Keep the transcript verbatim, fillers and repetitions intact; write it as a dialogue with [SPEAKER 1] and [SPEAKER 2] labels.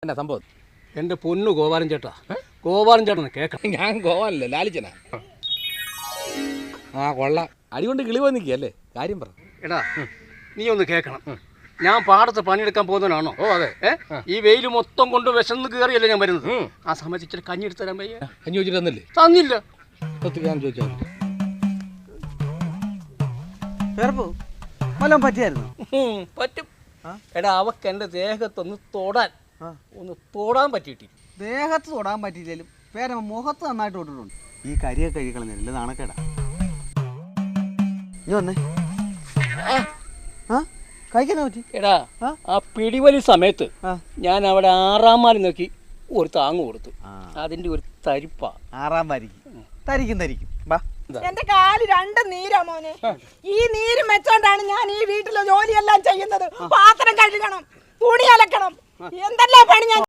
[SPEAKER 1] എന്നാ സംഭവം?
[SPEAKER 2] എൻ്റെ പൊന്നു ഗോപാലൻ ചേട്ടാ, ഗോപാലൻ ചേട്ടനെ കേൾക്കണം.
[SPEAKER 1] ഞാൻ ഗോവാനല്ലേ, ലാലിച്ചനാ. ആ കൊള്ളാം, അടികൊണ്ട് കിളി പോയി നിൽക്കുകയല്ലേ, കാര്യം പറ.
[SPEAKER 2] എടാ നീ ഒന്ന് കേൾക്കണം. ഞാൻ പാടത്ത് പണിയെടുക്കാൻ പോകുന്നവനാണോ?
[SPEAKER 1] ഓ അതെ.
[SPEAKER 2] ഈ വെയിൽ മൊത്തം കൊണ്ട് വിശന്ന് കയറിയല്ലേ ഞാൻ വരുന്നത്. ആ സമയത്ത് ഇച്ചിരി കഞ്ഞി എടുത്ത് തരാൻ പയ്യ.
[SPEAKER 1] കഞ്ഞി വെച്ചിട്ട് തന്നില്ലേ?
[SPEAKER 2] തന്നില്ല.
[SPEAKER 1] ഞാൻ ചോദിച്ചാൽ
[SPEAKER 3] വല്ലതും പറ്റിയായിരുന്നു?
[SPEAKER 2] പറ്റും. എടാ അവക്ക് എൻ്റെ ദേഹത്തൊന്ന് തൊടാൻ ഒന്ന് തൊടാൻ പറ്റിയിട്ടില്ല.
[SPEAKER 3] ദേഹത്ത് തൊടാൻ പറ്റിയില്ലേലും പേരമ്മ മുഖത്ത് നന്നായിട്ട് തൊട്ടിട്ടുണ്ട്. ഈ കരിയൊക്കെ കഴിക്കളഞ്ഞില്ല, നാണക്കേടാ. നീ വന്നേ. ആ കഴിക്കാനാ പറ്റി?
[SPEAKER 2] എടാ ആ പിടിവലി സമയത്ത് ഞാൻ അവിടെ ആറാം മാലി നോക്കി ഒരു താങ്ങ് കൊടുത്തു. അതിന്റെ ഒരു തരിപ്പാ.
[SPEAKER 3] ആറാം വാരിക്കും തരിക്കും തരിക്കും. വാ,
[SPEAKER 4] എന്റെ കാല് രണ്ട് നീരാ മോനെ. ഈ നീര് വെച്ചോണ്ടാണ് ഞാൻ ഈ വീട്ടിലെ ജോലിയെല്ലാം ചെയ്യുന്നത്. പാത്രം കഴുകണം, തുണി അലക്കണം, എന്തെല്ലാം പണി ഞാൻ